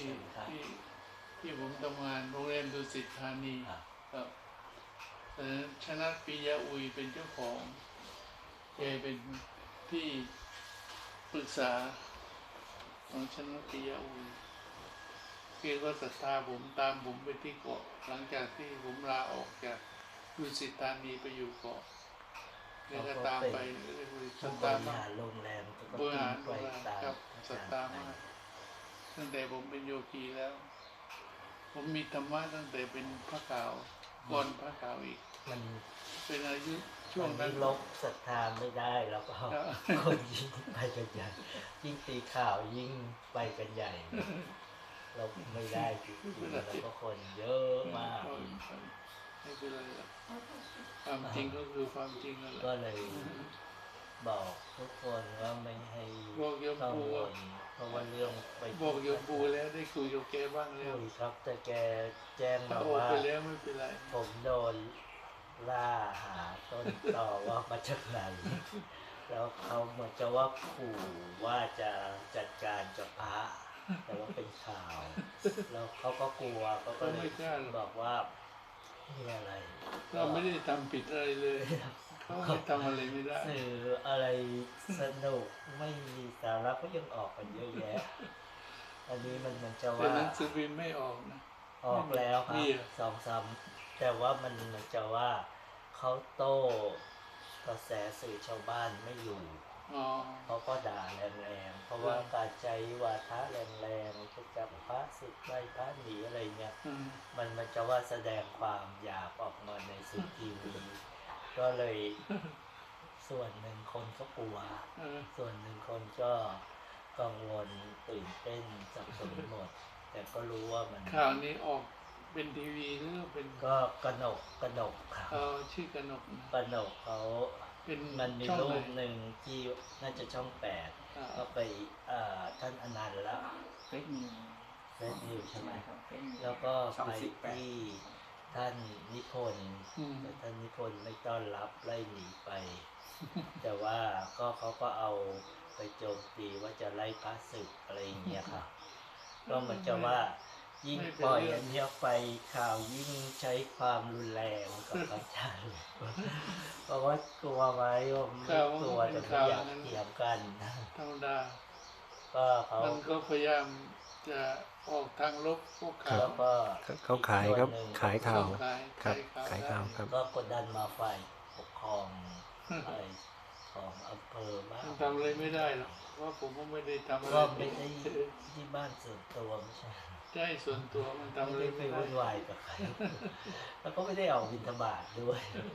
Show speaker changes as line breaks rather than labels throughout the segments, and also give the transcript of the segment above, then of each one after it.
ที่ที่ผมทำงานโรงแรมดุสิตธานีครับแต่ชนะปิยะอุยเป็นเจ้าของแกเป็นที่ปรึกษาของชนะปิยะอุยแกก็ศรัทธาผมตามผมไปที่เกาะหลังจากที่ผมลาออกจากดุสิตธานีไปอยู่เกาะแกก็ตามไปศรัทธามาก
โรงแรมก็
บริหาร
ไปตาม
ครับศรัทธามากตั้งแต่ผมเป็นโยคีแล้ว ผมมีธรรมะตั้งแต่เป็นพระขาวก่อนพระขาวอีก
มัน
เป็นอายุช่วง
นั้
นั้น น
ลบศรัทธาไม่ได้แล้วก็
ครับ
คนยิ่งไปกันใหญ่ยิ่งตีข่าวยิ่งไปกันใหญ่ เราไม่ได้จริงๆแล้วก็คนเยอะมาก
ไม่เป็นไรหรอกความจริงก็คือความจริงนั่นแหละ
ก็เลยบอกทุกคนว่าไม่ให้
บอกโยม
กัง
ปู่
วลเพราะว่าเรื่องไป
บอกโยมปู่แล้วได้คุยกับแกบ้างแล้ว
คุยครับแต่แกแจ้ง
ถ้า
มา
ออก
ว่า
ไปแล้วไม่เป็นไร
ผมโดนล่าหาต้นต่อว่ามาจากไหน แล้วเขาเหมือนจะว่าขู่ว่าจะจัดการกับพระ แต่ว่าเป็นข่าว แล้วเขาก็กลัวเขาก็เลยบอกว่านี่อะไร
เราไม่ได้ทำผิดอะไรเลยเขาไม่ทำอะไรไม่ได้
สื่ออะไรสนุกไม่มีสาระก็ยังออกกันเยอะแยะ อันนี้มันเหมือนจะ
แต่
ว่า
หนังสือพิมพ์ไม่ออกนะ
ออกแล้วครั
นี่
บ
เหรอ
สองสามแต่ว่ามันเหมือนจะว่าเขาโต้กระแสสื่อชาวบ้านไม่อยู่
อ๋อ
เขาก็ด่าแรงๆเพราะว่าการใช้วาทะแรงๆจะจับพระสึกไล่พระหนีอะไรเนี่ย
อืม
มันจะว่าแสดงความหยาบออกมาในสื่อทีวีก็เลยส่วนหนึ่งคนก็กลัว ส่วนหนึ่งคนก็กังวลตื่นเต้นสับสนหมด แต่ก็รู้ว่ามัน
ข่าวนี้ออกเป็นทีวีหรือเป็น
ก็กระหนกครับ
เอาชื่อกนกนะ
กระหนกเขา
เป็น
มันมี
ช่อง
รู
ไหน
ปหนึ่งที่น่าจะช่อง
อ่า
8ก็ไปท่านอนันต์แล้ว
เฟซนิว
เฟซนิวใช่ไหม
ครับเฟซนิว
แล้วก็
ช่อง
ไป
18
ที่ท่านนิพนธ์
อืม
แต่ท่านนิพนธ์ไม่ต้อนรับไล่หนีไป แต่ว่าก็เขาก็เอาไปโจมตีว่าจะไล่พระศึกอะไรอย่างเงี้ยครับ ก็เหมือนจะว่ายิ่งปล่อยอันเนี้ยไปข่าวยิ่งใช้ความรุนแรงกับพระอาจารย์เพราะว่ากลัวไหมผมไม่กลัวแต่ไม่อยากเถียงกัน
ธรรมดา
ก็เขา
มันก็พยายามจะออกทางลบพวกข่าว
แล้วก็
เขาขายครับ ขายข่าว
ขาย
ครับ
ขาย
ขายข่าวครับ
ก็กดดันมาฝ่ายปกครองอะไรของอำเภอบ้าง
มันทำอะไรไม่ได้หรอกเพราะผมก็ไม่ได้ทำอะไร
ก็ไม่ได้ที่บ้านส่วนตัวไม่ใช่
ใช่ส่วนตัวมันทำอะไร
ไม่ได้ไป
ไม่ได้
วุ่นวายกับใคร แล้วก็ไม่ได้ออกบิณฑบาตด้วย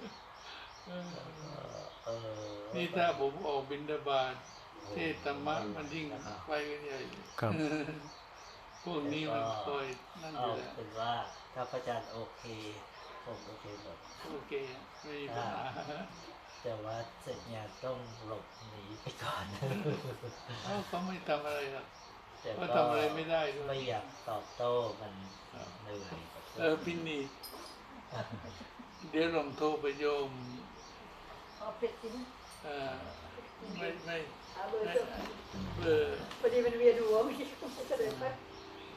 นี่ถ้าผมออกบิณฑบาตเทศธรรมะมันยิ่งไปกันใหญ่
ครับ
พวกนี้มันคอยนั่นอ
เอา
ยู่แล้ว
เป็นว่าถ้าพระอาจารย์โอเคผมโอเคหมด
โอเคไม่มีปัญหา
แต่ว่าเสร็จงานต้องหลบหนีไปก่อน
เขาไม่ทำอะไรหรอก
แต่
เขา
ก็
ทำอะไรไม่ได้ด้วย
ไม่อยากตอบโต้มันเหนื่อยกับ
พี่นี่เดี๋ยวลองโทรไปโยม
เอาเผ็ดจริง
เอ่อไม่
เอาเบอร์
ไม่
เถอะ
เบอร์
พอดีมันเวียนหัวเมื่อกี้ก็เลยไป